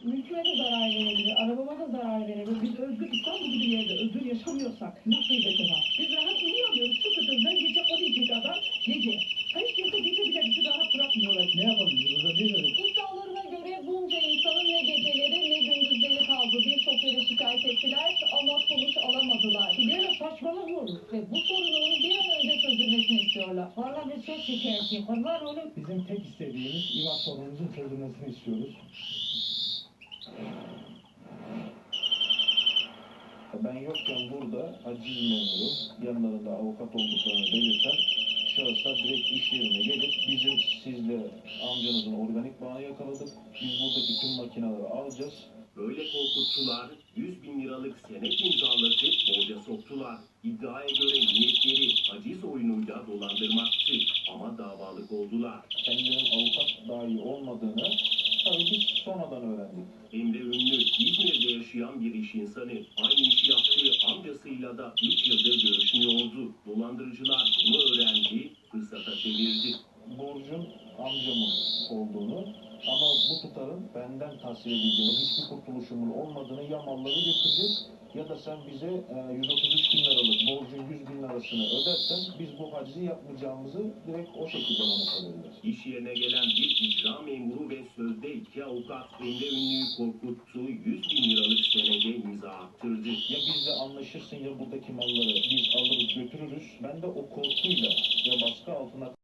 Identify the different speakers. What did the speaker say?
Speaker 1: mülküme de zarar verebilir, arabama da zarar verebilir. Biz özgür İstanbul gibi yerde özgür yaşamıyorsak nasıl var? Biz rahat uyuyamıyoruz. Sıkıntımızdan gece 12 kadar gece. Hiç kimse gece bile bizi rahat bırakmıyorlar.
Speaker 2: Ne yapalım? Burada değil mi?
Speaker 1: İddialarına göre bunca insanın ne geceleri ne gündüzleri kaldı. Birçok yere şikayet ettiler ama sonuç alamadılar.
Speaker 2: Yine saçmalık olur.
Speaker 1: Ve bu sorunun bir an önce çözülmesini istiyorlar.
Speaker 2: Valla biz çok şikayetçiyim. Onlar oğlum. Bizim tek istediğimiz İvan sorunumuzun çözülmesini istiyoruz.
Speaker 3: Ben yokken burada aciz memuru, yanlarında avukat olduklarını belirten şahıslar direkt iş yerine gelip bizim sizle amcanızın organik bağını yakaladık. Biz buradaki tüm makineleri alacağız.
Speaker 4: Böyle korkuttular, 100 bin liralık senet imzalatıp borca soktular. İddiaya göre niyetleri aciz oyunuyla dolandırmaktı ama davalık oldular.
Speaker 3: Kendilerinin avukat dahi olmadığını tabii biz sonradan öğrendik.
Speaker 4: Emre Ünlü, İzmir'de yaşayan bir iş insanı. Aynı işi yaptığı amcasıyla da 3 yıldır görüşmüyordu. Dolandırıcılar bunu öğrendi, fırsata çevirdi.
Speaker 3: Borcun amcamın olduğunu ama bu tutarın benden tahsil edildiğini, hiçbir kurtuluşumun olmadığını ya malları götüreceğiz ya da sen bize 133 bin liralık borcun 100 bin lirasını ödersen biz bu hacizi yapmayacağımızı direkt o şekilde bana söylediler.
Speaker 4: İş yerine gelen bir icra memuru ve sözde 2 avukat Emre Ünlü'yü korkuttu, 100 bin liralık senede imza attırdı.
Speaker 3: Ya bizle anlaşırsın ya buradaki malları biz alırız götürürüz. Ben de o korkuyla ve baskı altına